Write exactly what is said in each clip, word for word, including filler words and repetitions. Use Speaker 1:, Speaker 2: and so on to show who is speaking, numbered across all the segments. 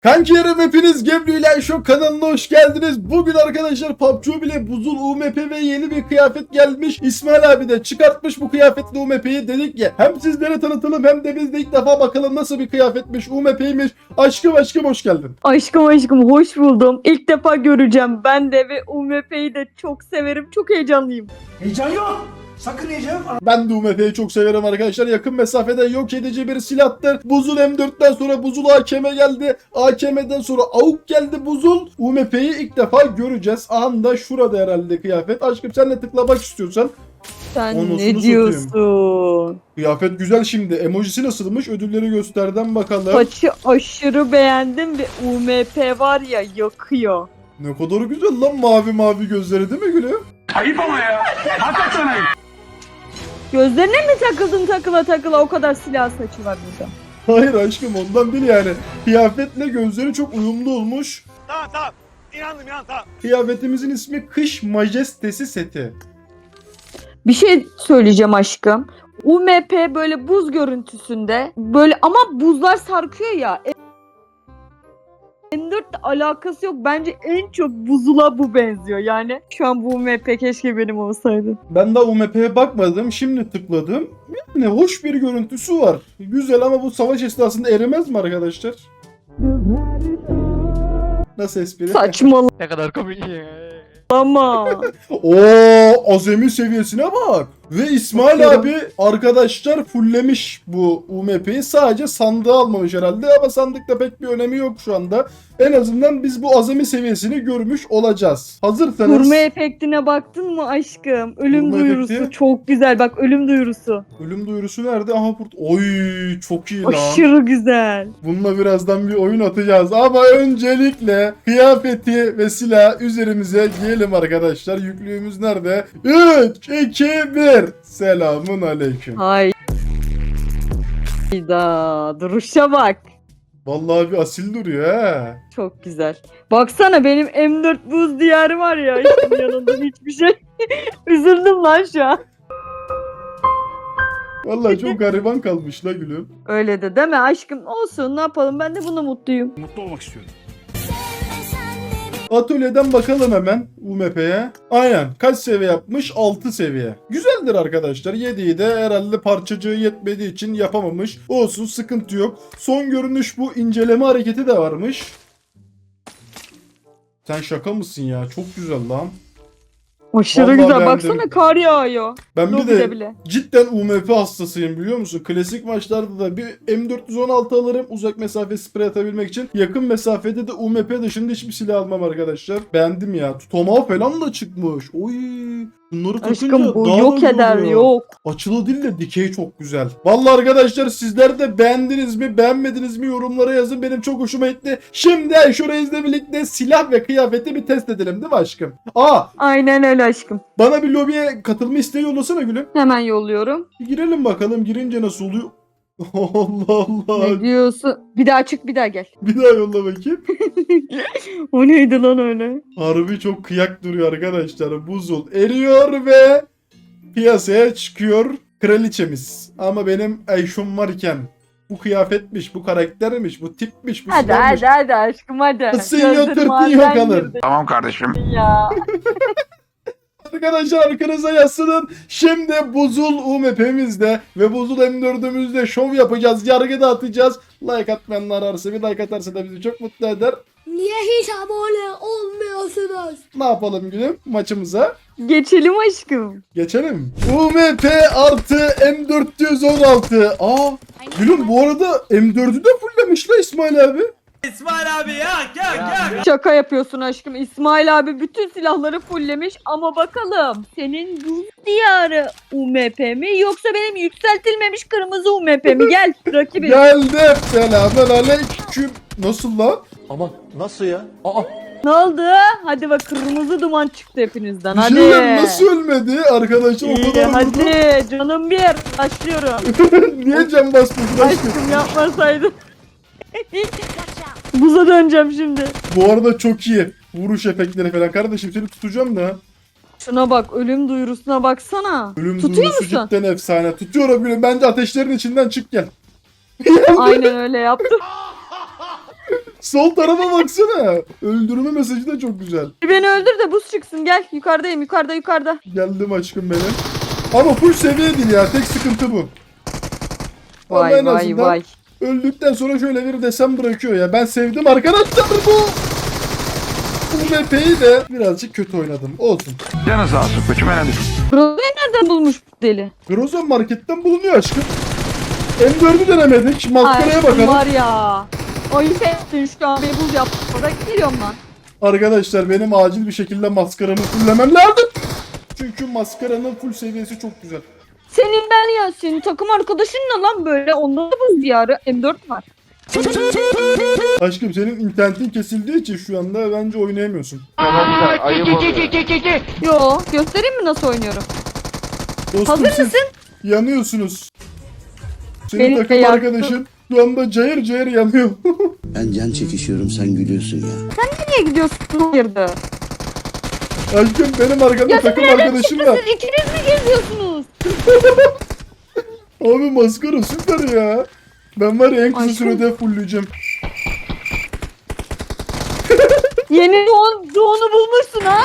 Speaker 1: Kankilerim hepiniz Gebru ile Show kanalına hoş geldiniz. Bugün arkadaşlar P U B G bile buzul U M P ve yeni bir kıyafet gelmiş. İsmail abi de çıkartmış bu kıyafetli U M P'yi, dedik ki hem sizlere tanıtalım hem de biz de ilk defa bakalım nasıl bir kıyafetmiş, U M P'ymiş. Aşkım aşkım hoş geldin.
Speaker 2: Aşkım aşkım hoş buldum. İlk defa göreceğim ben de ve U M P'yi de çok severim. Çok heyecanlıyım.
Speaker 3: Heyecan yok. Sakın heyecan yok.
Speaker 1: Ben de U M P'yi çok severim arkadaşlar. Yakın mesafede yok edici bir silahtır. Buzul M dörtten sonra buzul A K M geldi. A K M'den sonra A U K geldi buzul. U M P'yi ilk defa göreceğiz. Anda şurada herhalde kıyafet. Aşkım sen ne tıklamak istiyorsan.
Speaker 2: Sen
Speaker 1: Anasını
Speaker 2: ne
Speaker 1: satayım.
Speaker 2: diyorsun?
Speaker 1: Kıyafet güzel şimdi. Emojisi nasılmış? Ödülleri gösterden bakalım.
Speaker 2: Saçı aşırı beğendim ve U M P var ya yakıyor.
Speaker 1: Ne kadar güzel lan, mavi mavi gözleri değil mi gülüm?
Speaker 3: Ayıp ama ya. Hakikaten ayıp.
Speaker 2: Gözlerine mi takıldın takıla takıla, o kadar silah saçı var burada.
Speaker 1: Hayır aşkım, ondan değil yani. Kıyafetle gözleri çok uyumlu olmuş.
Speaker 3: Tamam tamam. İnandım inan tamam.
Speaker 1: Kıyafetimizin ismi Kış Majestesi seti.
Speaker 2: Bir şey söyleyeceğim aşkım. U M P böyle buz görüntüsünde böyle ama buzlar sarkıyor ya. M dörtle alakası yok. Bence en çok buzula bu benziyor. Yani şu an bu U M P keşke benim olsaydı.
Speaker 1: Ben daha U M P'ye bakmadım. Şimdi tıkladım. Yani hoş bir görüntüsü var. Güzel ama bu savaş esnasında erimez mi arkadaşlar? Nasıl espri?
Speaker 2: Saçmalama.
Speaker 4: Ne kadar komik ya.
Speaker 1: Oo, azami seviyesine bak. Ve İsmail
Speaker 2: Bakıyorum.
Speaker 1: abi arkadaşlar fulllemiş bu U M P'yi. Sadece sandığı almamış herhalde ama sandıkta pek bir önemi yok şu anda. En azından biz bu azami seviyesini görmüş olacağız. Hazırsanız.
Speaker 2: Vurma efektine baktın mı aşkım? Ölüm
Speaker 1: Vurma
Speaker 2: duyurusu
Speaker 1: efekti?
Speaker 2: çok güzel. Bak, ölüm duyurusu.
Speaker 1: Ölüm duyurusu nerede? Aha burada. Oy çok iyi lan.
Speaker 2: Aşırı güzel.
Speaker 1: Bununla birazdan bir oyun atacağız. Ama öncelikle kıyafeti ve silah üzerimize giyelim arkadaşlar. Yüklüğümüz nerede? üç, iki, bir. Selamun aleyküm.
Speaker 2: Hayda. Duruşa bak.
Speaker 1: Vallahi bir asil duruyor ha.
Speaker 2: Çok güzel. Baksana benim M dört buz diyarı var ya. Aşkım yanında hiçbir şey. Üzüldüm lan şu an.
Speaker 1: Vallahi çok gariban kalmış la gülüm.
Speaker 2: Öyle de deme aşkım. Olsun, ne yapalım, ben de buna mutluyum.
Speaker 3: Mutlu olmak istiyorum.
Speaker 1: Atölyeden bakalım hemen U M P'ye. Aynen. Kaç seviye yapmış? altı seviye. Güzeldir arkadaşlar. yediyi de herhalde parçacığı yetmediği için yapamamış. Olsun, sıkıntı yok. Son görünüş bu. İnceleme hareketi de varmış. Sen şaka mısın ya? Çok güzel lan.
Speaker 2: Aşırı
Speaker 1: Vallahi
Speaker 2: güzel.
Speaker 1: beğendim.
Speaker 2: Baksana, kar yağıyor.
Speaker 1: Ben bir
Speaker 2: Lobide
Speaker 1: de
Speaker 2: bile.
Speaker 1: cidden U M P hastasıyım, biliyor musun? Klasik maçlarda da bir M dört yüz on altı alırım uzak mesafe sprey atabilmek için. Yakın mesafede de U M P dışında hiçbir silah almam arkadaşlar. Beğendim ya. Tutamağı falan da çıkmış. Oy. Bunları takınca
Speaker 2: Aşkım bu
Speaker 1: daha da
Speaker 2: yok
Speaker 1: güzel
Speaker 2: eder,
Speaker 1: oluyor.
Speaker 2: yok.
Speaker 1: Açılı değil de dikey çok güzel. Vallahi arkadaşlar sizler de beğendiniz mi beğenmediniz mi yorumlara yazın. Benim çok hoşuma gitti. Şimdi Ayşe Reis'le birlikte silah ve kıyafeti bir test edelim değil mi aşkım? Aa,
Speaker 2: Aynen öyle aşkım.
Speaker 1: bana bir lobiye katılma isteği yollasana gülüm.
Speaker 2: Hemen yolluyorum.
Speaker 1: Bir girelim bakalım, girince nasıl oluyor? Allah Allah.
Speaker 2: Ne diyorsun? Bir daha çık, bir daha gel.
Speaker 1: Bir daha yolla bakayım.
Speaker 2: O neydi lan öyle?
Speaker 1: Harbi çok kıyak duruyor arkadaşlar. Buzul eriyor ve piyasaya çıkıyor kraliçemiz. Ama benim Ayşum varken bu kıyafetmiş, bu karaktermiş, bu tipmiş, bu
Speaker 2: Hadi
Speaker 1: silahmış.
Speaker 2: hadi hadi aşkım hadi.
Speaker 1: Sen
Speaker 2: Gözlerim
Speaker 1: yatırtın
Speaker 2: maden
Speaker 1: yakalım.
Speaker 2: girdi
Speaker 3: Tamam kardeşim.
Speaker 2: ya.
Speaker 1: Arkadaşlar arkanıza yaslanın. Şimdi Buzul U M P'mizde ve Buzul M dördümüzde şov yapacağız. Yargı dağıtacağız. Like atmayanlar varsa bir like atarsa da bizi çok mutlu eder.
Speaker 5: Niye hiç abone olmuyorsunuz?
Speaker 1: Ne yapalım gülüm maçımıza?
Speaker 2: Geçelim aşkım.
Speaker 1: Geçelim. U M P artı M dört yüz on altı. Aa, gülüm bu arada M dördü de fulllemiş la İsmail abi.
Speaker 2: Şaka yapıyorsun aşkım. İsmail abi bütün silahları fulllemiş ama bakalım senin buz diyarı U M P mi yoksa benim yükseltilmemiş kırmızı U M P mi? Gel rakibim.
Speaker 1: Geldim. Selamun aleyküm. Nasıl lan?
Speaker 6: Ama nasıl ya? Aa,
Speaker 2: Ne oldu? Hadi bak, kırmızı duman çıktı hepinizden.
Speaker 1: Bir
Speaker 2: Hadi.
Speaker 1: şey diyeyim, nasıl ölmedi? Arkadaşlar o
Speaker 2: İyi,
Speaker 1: kadar vurdu.
Speaker 2: hadi canım bir. Başlıyorum.
Speaker 1: Niye can basmıyorsun aşkım?
Speaker 2: Aşkım yapmasaydın. Buza döneceğim şimdi.
Speaker 1: Bu arada çok iyi. Vuruş efektleri falan. Kardeşim seni tutacağım da.
Speaker 2: Şuna bak, ölüm duyurusuna baksana.
Speaker 1: Ölüm
Speaker 2: Tutuyor
Speaker 1: duyurusu
Speaker 2: musun?
Speaker 1: cidden efsane. Tutuyorum gülüm. Bence ateşlerin içinden çık gel.
Speaker 2: Aynen öyle yaptım.
Speaker 1: Sol tarafa baksana. Öldürme mesajı da çok güzel.
Speaker 2: Beni öldür de buz çıksın gel. Yukarıdayım yukarıda yukarıda.
Speaker 1: Geldim aşkım benim. Ama full seviye değil ya. Tek sıkıntı bu. Ama
Speaker 2: Vay
Speaker 1: en
Speaker 2: vay
Speaker 1: azından
Speaker 2: vay.
Speaker 1: öldükten sonra şöyle bir desem bırakıyor ya. Ben sevdim arkadaşlar bu. Bu M P'yi de birazcık kötü oynadım. Olsun.
Speaker 3: Canı sağ olsun koçum önemli.
Speaker 2: Roza'yı nereden bulmuş bu deli?
Speaker 1: Groza marketten bulunuyor aşkım. M dördü denemedik. Maskaraya
Speaker 2: Ay,
Speaker 1: bakalım.
Speaker 2: var ya. Ayıp ettin şu an beni buz yaptın. Oraya geliyorum lan.
Speaker 1: Arkadaşlar benim acil bir şekilde maskaramı fullemem lazım. Çünkü maskaranın full seviyesi çok güzel.
Speaker 2: Senin ben ya senin takım arkadaşın ne lan böyle? Onda da buz diyarı M dört var.
Speaker 1: Aşkım senin internetin kesildiği için şu anda bence oynayamıyorsun.
Speaker 2: Yo göstereyim mi nasıl oynuyorum?
Speaker 1: Dostum
Speaker 2: Hazır
Speaker 1: siz
Speaker 2: mısın?
Speaker 1: yanıyorsunuz. Senin
Speaker 2: Beni de
Speaker 1: takım
Speaker 2: yaktın.
Speaker 1: arkadaşın şu anda cayır cayır yanıyor.
Speaker 4: Ben can çekişiyorum, sen gülüyorsun ya.
Speaker 2: Nereye gidiyorsun? Hayırdır?
Speaker 1: Aşkım benim arkamda
Speaker 2: Ya
Speaker 1: takım
Speaker 2: siz nereden
Speaker 1: arkadaşım
Speaker 2: çıktınız?
Speaker 1: var.
Speaker 2: Siz ikiniz mi geziyorsunuz?
Speaker 1: Abi maskara süper ya. Ben var ya en kısa
Speaker 2: Aşkım.
Speaker 1: sürede fullleyeceğim.
Speaker 2: Yeni doğan, doğunu bulmuşsun ha?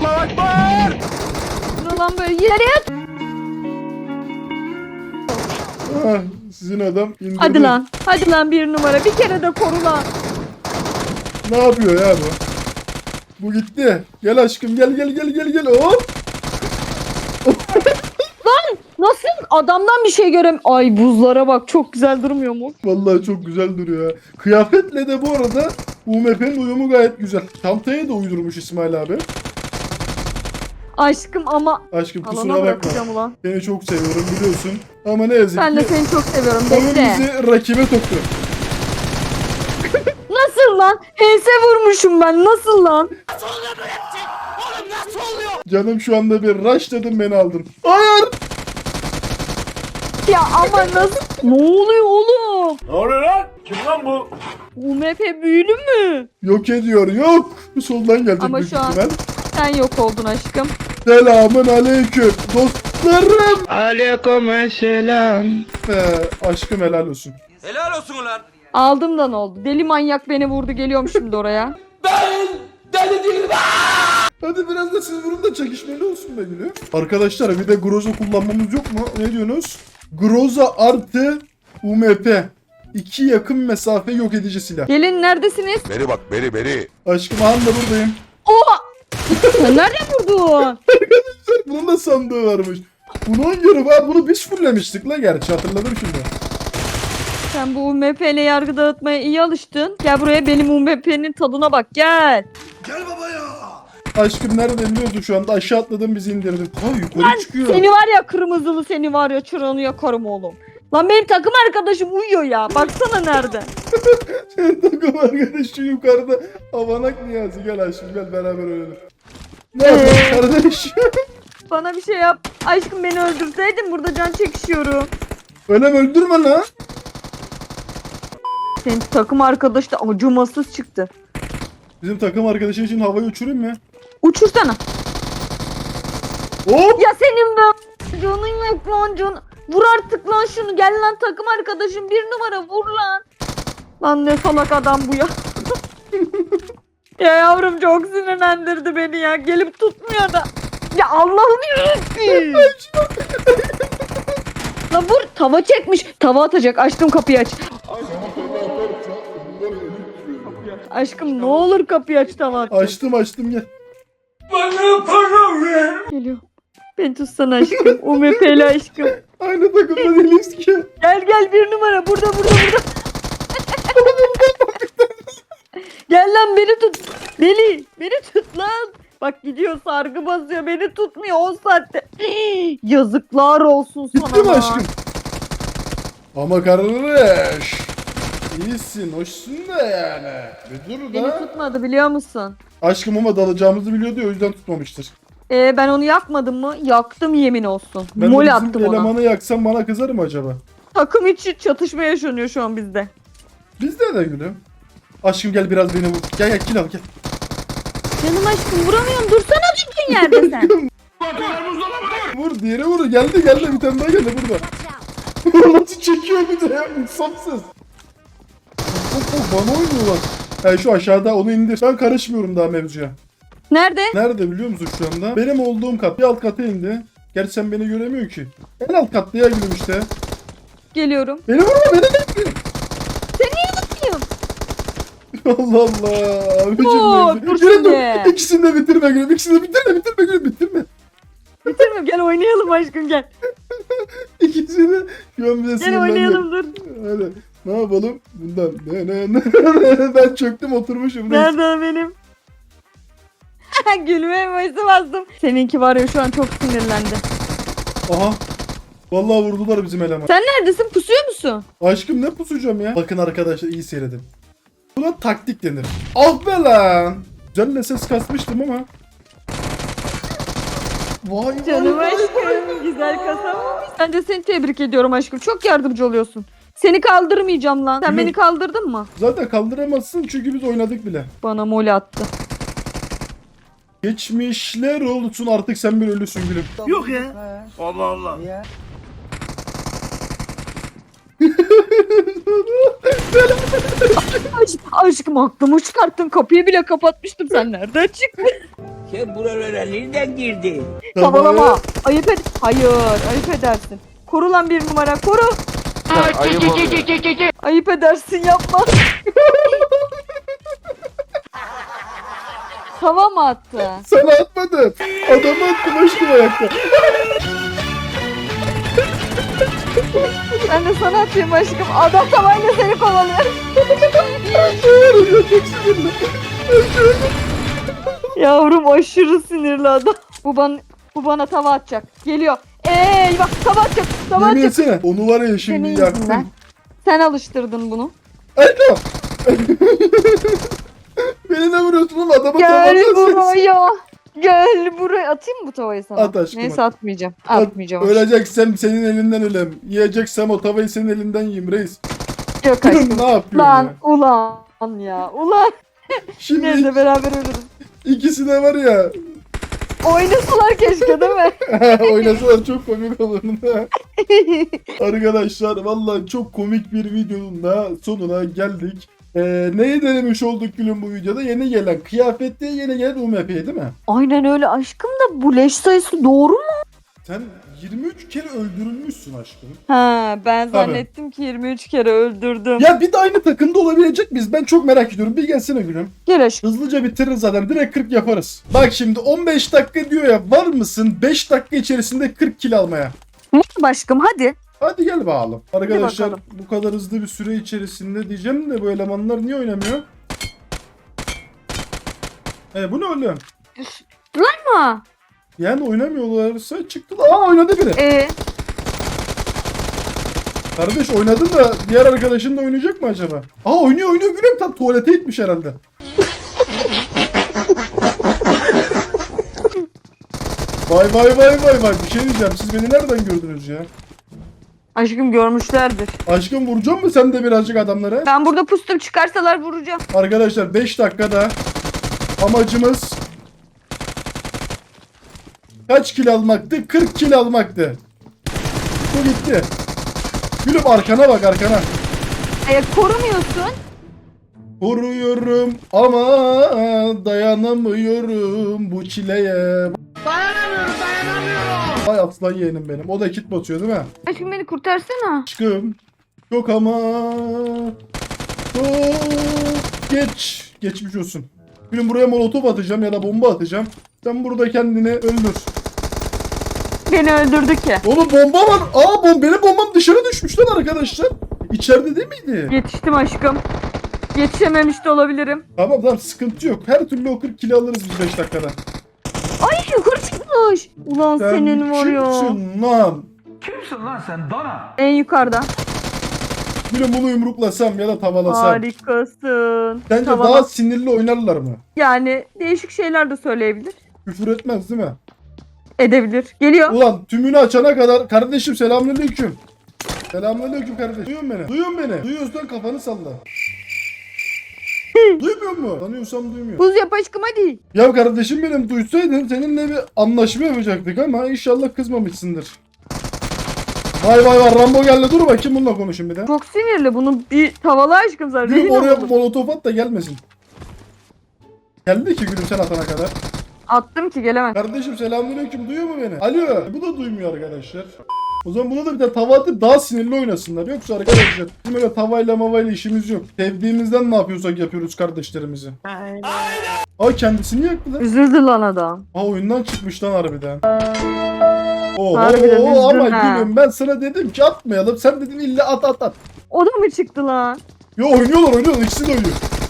Speaker 2: Ne lan böyle yere yat.
Speaker 1: Ah, sizin adam indirdi.
Speaker 2: Hadi lan. Hadi lan bir numara. Bir kere de koru lan.
Speaker 1: Ne yapıyor ya bu? Bu gitti. Gel aşkım gel gel gel gel gel. Hop.
Speaker 2: Nasıl? Adamdan bir şey görem. Ay buzlara bak çok güzel durmuyor mu?
Speaker 1: Vallahi çok güzel duruyor ya. Kıyafetle de bu arada U M P'nin uyumu gayet güzel. Çantaya da uydurmuş İsmail abi.
Speaker 2: Aşkım ama
Speaker 1: Aşkım kusura
Speaker 2: alana
Speaker 1: bakma.
Speaker 2: bırakacağım ulan.
Speaker 1: Seni çok seviyorum biliyorsun. Ama ne yazık
Speaker 2: Ben de
Speaker 1: ki
Speaker 2: seni çok seviyorum.
Speaker 1: oyun
Speaker 2: Bekle.
Speaker 1: bizi rakibe soktu.
Speaker 2: Nasıl lan? H S vurmuşum ben. Nasıl lan?
Speaker 1: Canım şu anda bir rush dedim beni aldın. Hayır.
Speaker 2: Ya ama nasıl? Ne oluyor oğlum?
Speaker 3: Ne oluyor lan? Kim lan bu?
Speaker 2: U M P büyülü mü?
Speaker 1: Yok ediyor yok. Soldan gelecek
Speaker 2: Ama
Speaker 1: büyük
Speaker 2: şu an-
Speaker 1: ihtimal.
Speaker 2: Sen yok oldun aşkım.
Speaker 1: Selamun aleyküm dostlarım.
Speaker 6: Aleykümselam.
Speaker 1: Ee, aşkım helal olsun.
Speaker 3: Helal olsun ulan.
Speaker 2: Aldım da ne oldu? Deli manyak beni vurdu. Geliyorum şimdi oraya.
Speaker 1: Hadi biraz da siz vurun da çekişmeli olsun be gülüm. Arkadaşlar bir de Groza kullanmamız yok mu? Ne diyorsunuz? Groza artı U M P. İki yakın mesafe yok edici silah.
Speaker 2: Gelin neredesiniz?
Speaker 7: Beri bak beri beri.
Speaker 1: Aşkım han da buradayım.
Speaker 2: Oha! Sen nereden vurdun?
Speaker 1: Bunun da sandığı varmış. Bunu oynuyorum ha. Bunu biz fulllemiştik la gerçi hatırladım şimdi.
Speaker 2: Sen bu U M P ile yargı dağıtmaya iyi alıştın. Gel buraya benim U M P'nin tadına bak gel.
Speaker 3: Gel baba ya.
Speaker 1: Aşkım nerede biliyorsun şu anda aşağı atladım bizi indirdin. Ha yukarı çıkıyor.
Speaker 2: Seni var ya kırmızılı seni var ya çıranı yakarım oğlum. Lan benim takım arkadaşım uyuyor ya. Baksana nerede.
Speaker 1: Senin takım arkadaşı yukarıda. Avanak Niyazi gel aşkım gel beraber ölelim. Ne yapıyorsun kardeş?
Speaker 2: Bana bir şey yap. Aşkım beni öldürseydin burada can çekişiyorum.
Speaker 1: Öyle mi öldürme lan?
Speaker 2: Senin takım arkadaş da acımasız çıktı.
Speaker 1: Bizim takım arkadaşın için havayı uçurayım mı?
Speaker 2: Uçursana.
Speaker 1: Hop!
Speaker 2: Ya senin be canın yok lan can. Vur artık lan şunu. Gel lan takım arkadaşım bir numara vur lan. Lan ne salak adam bu ya. Ya yavrum çok sinirlendirdi beni ya. Gelip tutmuyor da. Ya Allah'ım yarabbim. Lan vur tava çekmiş. Tava atacak. Açtım kapıyı aç. Aşkım ne olur kapıyı aç tava at.
Speaker 1: Açtım açtım gel.
Speaker 3: Bana para ver.
Speaker 2: Geliyor. Beni tutsana aşkım. U M P'li aşkım.
Speaker 1: Aynı takımda değiliz ki.
Speaker 2: Gel gel bir numara burada burada burada. Gel lan beni tut. Deli beni tut lan. Bak gidiyor sargı basıyor beni tutmuyor on saatte. Yazıklar olsun sana.
Speaker 1: Gitti mi
Speaker 2: lan.
Speaker 1: aşkım? Ama kardeş. İyisin, hoşsun da yani. Bir dur
Speaker 2: Beni
Speaker 1: da.
Speaker 2: tutmadı biliyor musun?
Speaker 1: Aşkım ama dalacağımızı biliyordu ya o yüzden tutmamıştır.
Speaker 2: Ee, ben onu yakmadım mı? Yaktım yemin olsun.
Speaker 1: Ben
Speaker 2: Mol
Speaker 1: de
Speaker 2: attım
Speaker 1: bizim
Speaker 2: ona.
Speaker 1: elemanı yaksam bana kızar mı acaba?
Speaker 2: Takım içi çatışma yaşanıyor şu an bizde.
Speaker 1: Bizde de gülüm. Aşkım gel biraz beni vur. Gel gel kill al gel.
Speaker 2: Canım aşkım vuramıyorum dursana düzgün yerde sen.
Speaker 1: Vur diğeri vur. Geldi geldi bir tane daha geldi burada. Nasıl çekiyor bir de ya insafsız. Of of bana oynuyorlar. Yani şu aşağıda onu indir. Ben karışmıyorum daha mevzuya.
Speaker 2: Nerede?
Speaker 1: Nerede biliyor musun şu anda? Benim olduğum kat. Bir alt kata indi. Gerçi sen beni göremiyorsun ki. En alt katlıya gülüm işte.
Speaker 2: Geliyorum.
Speaker 1: Beni vurma beni de.
Speaker 2: Geliyorum.
Speaker 1: Allah Allah. Abicim
Speaker 2: Oo,
Speaker 1: benim.
Speaker 2: dur
Speaker 1: Gülüm dur.
Speaker 2: şimdi.
Speaker 1: İkisini de bitirme gülüm. İkisini de bitirme bitirme gülüm bitirme.
Speaker 2: Bitirmem. Gel oynayalım aşkım gel.
Speaker 1: İkisini de şu an bize
Speaker 2: Gel oynayalım dur.
Speaker 1: Hadi. Ne yapalım? Bundan. Ne ne ne. Ben çöktüm oturmuşum. reis.
Speaker 2: Nerede o benim? Gülme emojisi bastım. Seninki var ya şu an çok sinirlendi.
Speaker 1: Aha. Vallahi vurdular bizim eleman.
Speaker 2: Sen neredesin? Pusuyor musun?
Speaker 1: Aşkım ne pusacağım ya? Bakın arkadaşlar iyi seyredin. Buna taktik denir. Ah be lan. Güzel ses kasmıştım ama. Vay vay
Speaker 2: Canım
Speaker 1: vay.
Speaker 2: aşkım. Güzel kasamamış. Ben de seni tebrik ediyorum aşkım. Çok yardımcı oluyorsun. Seni kaldırmayacağım lan. Sen
Speaker 1: Gülüm.
Speaker 2: beni kaldırdın mı?
Speaker 1: Zaten kaldıramazsın çünkü biz oynadık bile.
Speaker 2: Bana mole attı.
Speaker 1: Geçmişler olsun artık sen bir ölüsün gülüm.
Speaker 3: Yok ya. Allah Allah.
Speaker 2: Aşk, aşkım aklımı çıkarttın. Kapıyı bile kapatmıştım. Sen nereden çıktın?
Speaker 7: Sen buralara nereden girdin?
Speaker 2: Tavalama. Ayıp et. Hayır. Ayıp edersin. Koru lan bir numara. Koru. Ayıp edersin yapma. Tava mı attı?
Speaker 1: Sana atmadım. Adamı attım aşkım ayakta.
Speaker 2: Ben de sana atayım aşkım. Adam tavayla seni kovalıyor.
Speaker 1: Çok sinirli.
Speaker 2: Yavrum aşırı sinirli adam. Bu bana, bu bana tava atacak. Geliyor. Eyvah tava atacak. Tava
Speaker 1: Yemin
Speaker 2: atacak.
Speaker 1: etsene. Onu var ya şimdi
Speaker 2: Senin
Speaker 1: yaktım.
Speaker 2: yüzünden. Sen alıştırdın bunu.
Speaker 1: Ayda. Beni ne vuruyorsun oğlum adamı
Speaker 2: Gel
Speaker 1: tavada
Speaker 2: buraya. Gel buraya. Atayım mı bu tavayı sana?
Speaker 1: At aşkım,
Speaker 2: Neyse
Speaker 1: at.
Speaker 2: atmayacağım. Atmayacağım. aşkım.
Speaker 1: Öleceksem senin elinden ölem. Yiyeceksem o tavayı senin elinden yiyeyim reis.
Speaker 2: Yok aşkım.
Speaker 1: Ne yapıyorsun
Speaker 2: Lan
Speaker 1: ya?
Speaker 2: ulan ya. Ulan.
Speaker 1: Şimdi
Speaker 2: Neyse beraber ölürüz.
Speaker 1: ikisi de var ya.
Speaker 2: Oynasalar keşke değil mi?
Speaker 1: Oynasalar çok komik olurdu. Arkadaşlar vallahi çok komik bir videonun da sonuna geldik. Ee, neyi denemiş olduk gülüm bu videoda? Yeni gelen kıyafette yeni gelen U M P değil mi?
Speaker 2: Aynen öyle aşkım da bu leş sayısı doğru mu?
Speaker 1: Sen yirmi üç kere öldürülmüşsün aşkım.
Speaker 2: Ha ben
Speaker 1: Tabii.
Speaker 2: zannettim ki yirmi üç kere öldürdüm.
Speaker 1: Ya bir de aynı takımda olabilecek miyiz? Ben çok merak ediyorum. Bir gelsene gülüm.
Speaker 2: Gel aşkım.
Speaker 1: Hızlıca bitiririz zaten. Direkt kırk yaparız. Bak şimdi on beş dakika diyor ya. Var mısın beş dakika içerisinde kırk kill almaya?
Speaker 2: Var aşkım hadi.
Speaker 1: Hadi gel bakalım. Arkadaşlar
Speaker 2: bakalım.
Speaker 1: bu kadar hızlı bir süre içerisinde diyeceğim de bu elemanlar niye oynamıyor? E bu ne oğlum?
Speaker 2: Ama
Speaker 1: Yani oynamıyorlarsa çıktılar. Aa oynadı biri.
Speaker 2: e,
Speaker 1: Kardeş oynadın da diğer arkadaşın da oynayacak mı acaba? Aa oynuyor oynuyor gülüm tam tuvalete gitmiş herhalde. Vay vay vay vay vay bir şey diyeceğim siz beni nereden gördünüz ya?
Speaker 2: aşkım görmüşlerdir.
Speaker 1: Aşkım vuracak mı sen de birazcık adamlara?
Speaker 2: Ben burada pustum çıkarsalar vuracağım.
Speaker 1: Arkadaşlar beş dakikada amacımız kaç kill almaktı? kırk kill almaktı. Bu gitti. Gülüm arkana bak arkana.
Speaker 2: E, korumuyorsun.
Speaker 1: Koruyorum ama dayanamıyorum bu çileye.
Speaker 3: Dayanamıyorum dayanamıyorum.
Speaker 1: Vay aslan yeğenim benim. O da kit basıyor değil mi?
Speaker 2: Aşkım beni kurtarsana.
Speaker 1: Aşkım. Yok ama. Çok geç. Geçmiş olsun. Gülüm buraya molotof atacağım ya da bomba atacağım. Sen burada kendini öldür.
Speaker 2: Beni öldürdü ki.
Speaker 1: Oğlum bomba var. Aa bom benim bombam dışarı düşmüş lan arkadaşlar. İçeride değil miydi?
Speaker 2: Yetiştim aşkım. Yetişememiş de olabilirim.
Speaker 1: Tamam tamam sıkıntı yok. Her türlü o kırk kilo alırız biz beş dakikada.
Speaker 2: Ay yukarı çıkmış. Ulan
Speaker 1: Sen
Speaker 2: senin var ya.
Speaker 1: kimsin lan?
Speaker 3: Kimsin lan sen dana?
Speaker 2: En yukarıda.
Speaker 1: Gülüm bunu yumruklasam ya da tavalasam.
Speaker 2: Harikasın.
Speaker 1: Sence
Speaker 2: Tamam.
Speaker 1: daha sinirli oynarlar mı?
Speaker 2: Yani değişik şeyler de söyleyebilir.
Speaker 1: Küfür etmez değil mi?
Speaker 2: Edebilir. Geliyor.
Speaker 1: Ulan tümünü açana kadar kardeşim selamünaleyküm. Selamünaleyküm kardeşim. Duyuyor musun beni? Duyuyor musun beni? Duyuyorsan kafanı salla. Duymuyor mu? Tanıyorsam duymuyor.
Speaker 2: Buz yap aşkım hadi.
Speaker 1: Ya kardeşim benim duysaydın seninle bir anlaşma yapacaktık ama inşallah kızmamışsındır. Vay vay vay Rambo geldi dur bakayım bununla konuşayım bir de.
Speaker 2: Çok sinirli. Bunu bir tavalı aşkım zaten.
Speaker 1: Gülüm
Speaker 2: Rezil
Speaker 1: oraya
Speaker 2: oldum.
Speaker 1: molotof at da gelmesin. Geldi ki gülüm sen atana kadar.
Speaker 2: Attım ki gelemez.
Speaker 1: Kardeşim selamünaleyküm, duyuyor mu beni? Alo. Bu da duymuyor arkadaşlar. O zaman buna da bir tane tava atıp daha sinirli oynasınlar. Yoksa arkadaşlar bizim öyle tavayla mavayla işimiz yok. Sevdiğimizden ne yapıyorsak yapıyoruz kardeşlerimizi.
Speaker 2: Aynen.
Speaker 1: Ay kendisini yaktı lan.
Speaker 2: Üzüldü lan adam.
Speaker 1: Aa oyundan çıkmış lan harbiden. Oo,
Speaker 2: Harbiden
Speaker 1: oo,
Speaker 2: üzdün
Speaker 1: ama
Speaker 2: ha.
Speaker 1: gülüm ben sana dedim ki atmayalım. Sen dedin illa at at at.
Speaker 2: O da mı çıktı lan?
Speaker 1: Yo oynuyorlar oynuyorlar, ikisi de oynuyor.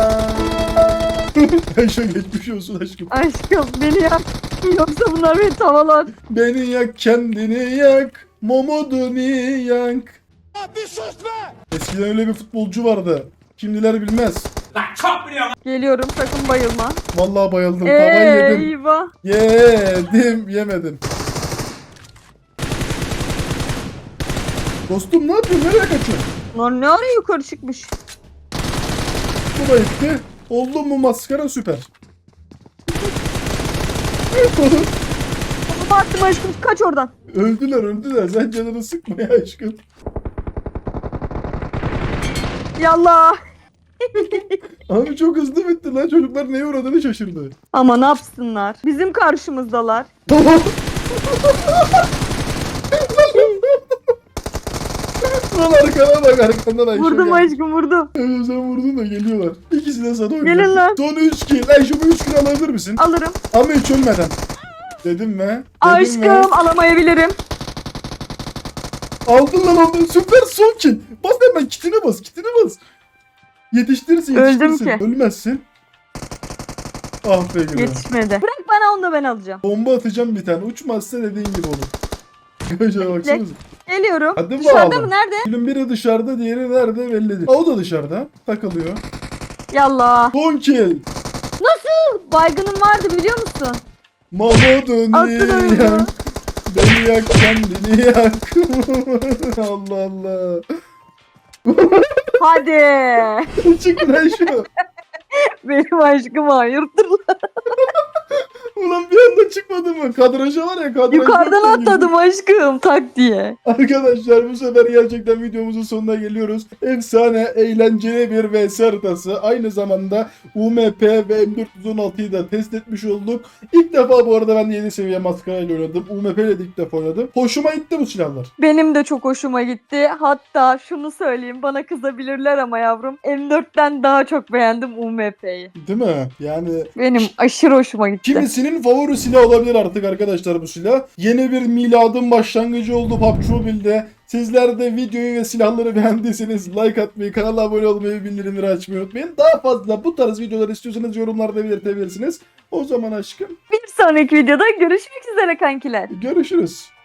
Speaker 1: Ayşe geçmiş olsun aşkım.
Speaker 2: Aşkım beni yak. Yoksa bunlar beni tavalar.
Speaker 1: Beni yak kendini yak. Momoduni yak.
Speaker 3: Bir sus be!
Speaker 1: Eskiden öyle bir futbolcu vardı. Kimdiler bilmez.
Speaker 2: Geliyorum sakın bayılma.
Speaker 1: Vallahi bayıldım. Tavayı yedim.
Speaker 2: Eyvah.
Speaker 1: Yedim. Yemedim. Dostum ne yapıyorsun? Nereye kaçıyorsun?
Speaker 2: Lan ne ara yukarı çıkmış.
Speaker 1: Bu da gitti. Oldu mu maskara süper.
Speaker 2: Ama attım aşkım kaç oradan.
Speaker 1: Öldüler öldüler. Sen canını sıkma ya aşkım.
Speaker 2: Yallah.
Speaker 1: Abi çok hızlı bitti lan. Çocuklar neye uğradığını şaşırdı.
Speaker 2: Ama ne yapsınlar? Bizim karşımızdalar.
Speaker 1: Lan arkana bak, arkandan Ayşe
Speaker 2: Vurdum
Speaker 1: geldi.
Speaker 2: aşkım vurdum.
Speaker 1: Evet, sen vurdun da geliyorlar. İkisi de sana oynuyor.
Speaker 2: Gelin lan.
Speaker 1: Son üç kill. Ayşe bu üç kill alabilir misin?
Speaker 2: Alırım.
Speaker 1: Ama hiç ölmeden. Dedim mi? Dedim
Speaker 2: Aşkım
Speaker 1: mi?
Speaker 2: alamayabilirim.
Speaker 1: Aldın lan aldın. Süper son kill. Bas hemen kitine bas. Kitine bas. Yetiştirirsin
Speaker 2: Öldüm
Speaker 1: yetiştirirsin.
Speaker 2: ki.
Speaker 1: Ölmezsin. Ah be gülüm.
Speaker 2: Yetişmedi. Bırak bana onu da ben alacağım.
Speaker 1: Bomba atacağım bir tane. Uçmazsa dediğin gibi olur. Gözüne baksanıza.
Speaker 2: Geliyorum.
Speaker 1: Hadi
Speaker 2: Dışarıda
Speaker 1: bakalım.
Speaker 2: mı? Nerede?
Speaker 1: Gülüm biri dışarıda, diğeri nerede belli değil. O da dışarıda. Takılıyor.
Speaker 2: Yallah.
Speaker 1: Son kill.
Speaker 2: Baygınım vardı biliyor musun?
Speaker 1: Mahmud'un
Speaker 2: Attın oyunu.
Speaker 1: yak. Beni yak kendini yak. Allah Allah.
Speaker 2: Hadi.
Speaker 1: Çık lan şu.
Speaker 2: Benim aşkım hayırdır lan.
Speaker 1: Ulan bir anda çıkmadı mı? Kadraja var ya, kadraj.
Speaker 2: Yukarıdan
Speaker 1: yoksa gibi.
Speaker 2: atladım aşkım tak diye.
Speaker 1: Arkadaşlar bu sefer gerçekten videomuzun sonuna geliyoruz. Efsane, eğlenceli bir V S haritası. Aynı zamanda U M P ve M dört yüz on altıyı da test etmiş olduk. İlk defa bu arada ben yedi seviye maskarayla oynadım. U M P ile de ilk defa oynadım. Hoşuma gitti bu silahlar.
Speaker 2: Benim de çok hoşuma gitti. Hatta şunu söyleyeyim bana kızabilirler ama yavrum. M dörtten daha çok beğendim U M P'yi.
Speaker 1: Değil mi? Yani
Speaker 2: Benim aşırı hoşuma gitti.
Speaker 1: kimisinin favori silah olabilir artık arkadaşlar bu silah. Yeni bir miladın başlangıcı oldu P U B G Mobile'de. Sizler de videoyu ve silahları beğendiyseniz like atmayı, kanala abone olmayı, bildirimleri açmayı unutmayın. Daha fazla bu tarz videolar istiyorsanız yorumlarda belirtebilirsiniz. O zaman aşkım
Speaker 2: Bir sonraki videoda görüşmek üzere kankiler.
Speaker 1: görüşürüz.